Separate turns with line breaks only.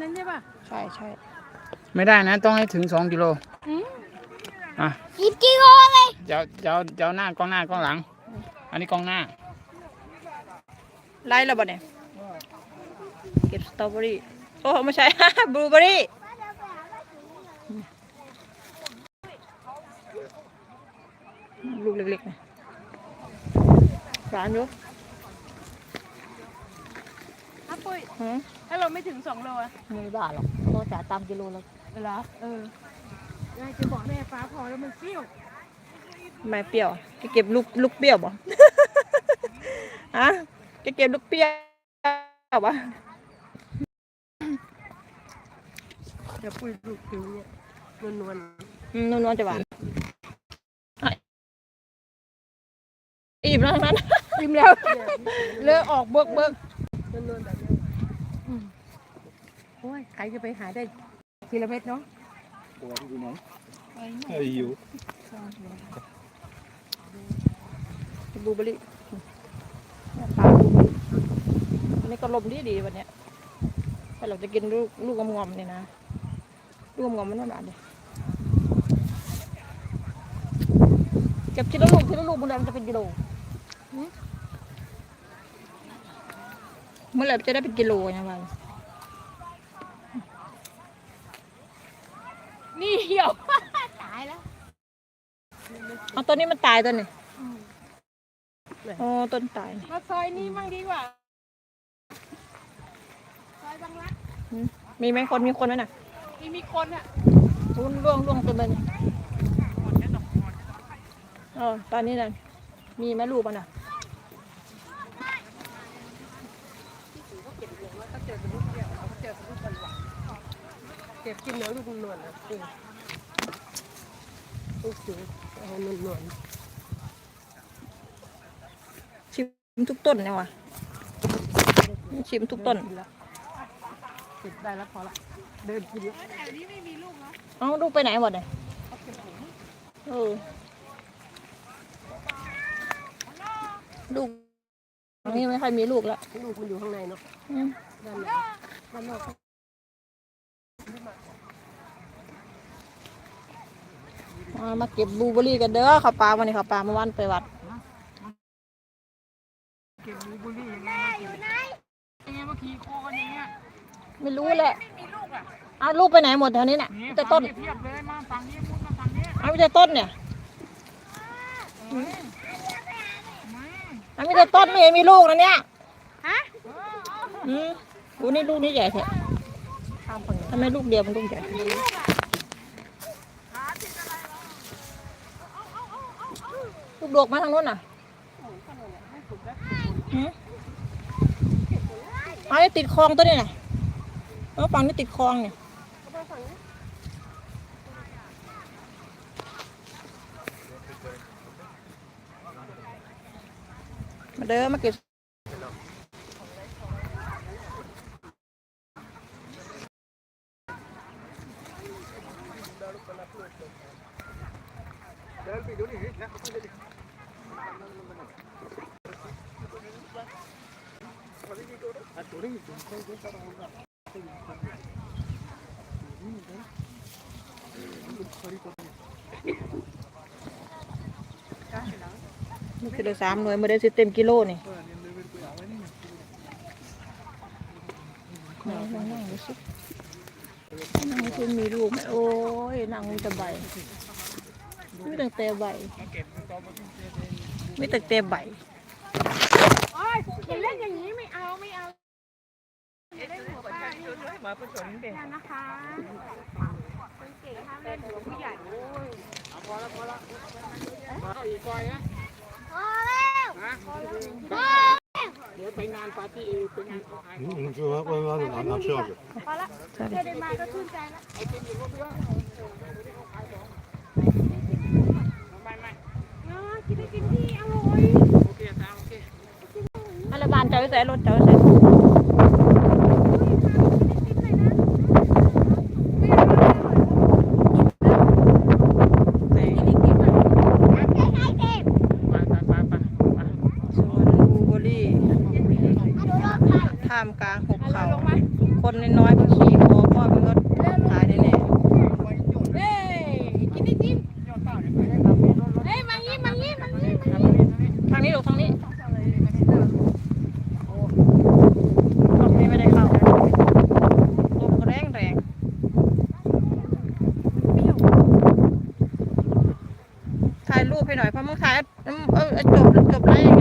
นั้นใช่ป่ะ
ใช่ใช่
ไม่ได้นะต้องให้ถึง2 กิโลอ่ะ
10 กิโลเลย
เจ้าหน้ากล้องหน้ากล้องหลัง อันนี้กล้องหน้า
ไล่แล้วบ่เนี่ยเก็บสตรอเบอรี่โอ้ไม่ใช่ บลูเบอรี่ลูกเล็กๆนะร้านอยู่
ถ้าปุ้ยถ้าเราไม่ถึง2 โลอะ
ไม่บ้าหรอกเราจ่ายตามกิโลแล้ว
เหรอยายจะบอกแม่ฟ้าพอแล้วมันเปรี้ยว
ไม่เปรี้ยวจะเก็บลูกเปรี้ยวบ่ ฮะจะเก็บลูกเปรี้ยวบ่
เดี๋ยวปุ้ยลูกผิวเนี่ยนวล
นวลจะหวานอิ่มแล้วทั้งนั้น
อิ่มแล้วเลิกออกเบิกนวลแบบนี้โอ้ยใครจะไปหาได้ทีละเม็ดเนาะ
ตัวอยู่ไหนอยู่
บลูเบอรี่ปลาบลูเบอรี่อันนี้ก็ลมดีวันเนี้ยแต่เราจะกินลูกงอมๆเนี่ยนะลูกงอมๆมันหวานเลยเก็บทีละลูกมันจะเป็นกิโลเมื่อไหร่จะได้เป็นกิโลเนี่ยมัน
นี่เหี่ยวตายแล้ว
เอาต้นนี้มันตายต้นนี่อ๋อต้นตาย
มาซอยนี้มั่งดีกว่าซอยบางรัก
มีไหมคนไหมน่ะ
มีคนอ่ะ
ร่วงเต็มเลยตอนนี้น่ะมีไหมลูกมันน่ะ
เก็บกินเนื้อลูกนวลนะลูกจิ๋วเอานวล
ชิมทุกต้นเนี่ยวะชิมทุกต้น
เก็บได้แล้วพอละเดินกินแล้วแถวนี้ไม่มีลูกเนาะ
เอาลูกไปไหนหมดเลยลูกนี่ไม่ค่อยมีลูกแล้ว
ลูกมันอยู่ข้างในเนาะด้านนอก
มาเก็บบลูเบอรี่กันเด้อข้าวปลาวันนี้ข้าวปลาเมื่อวานไปวัด
เก็บบลูเบอรี่ยังไงมาขี่คอกันอย่างเงี้ย
ไม่รู้แหละ
ไม่มีลูกอ่ะ
เอาลูกไปไหนหมดแถวนี้เนี่ยแต่ต้น
เทียบเลยมาฝั่งนี้มุดมาฝั่งนี้
เอาแต่ต้นเนี่ยเอาแต่ต้นไม่มีลูกนะเนี่ย
ฮะ
ดูนี่ลูกนี่ใหญ่แท้ทำไมลูกเดียวมันลูกใหญ่ลูกดกมาทางโน้นน่ะเอาไอ้ติดคลองตัวนี้น่ะฝั่งนี้ติดคลองเนี่ยมาเด้อมาเก็บนี่คือ3 หน่วยมาได้สิเต็มกิโลนี่นั่งที่มีลูกไหมโอ้ยนั่งมีแต่ใบไม่ตั้งแต่ใบไม่ตั้งแต่ใบ
โอ้ยอย่าเล่นอย่างนี้ไม่เอาเล่นหัวปลามาผสมเด็กนะคะคนเก๋ห้ามเล่นหัวผู้ใหญ่พอแล้วมาอีกก้อยนะพอแล้วเดี๋ยวไปงานปาร์ตี้ไปงานของไอ้พอแล้วแค่ได้มาก็ชื่นใจแล้วไอ้กินอยู่เพื่อนกินที่อร่อยโอเค
อะไรบ้านเจ้าใส่รถเจ้าใส่ท่ามกลางหุบเขาคนน้อยๆก็ขี่คอจบแล้ว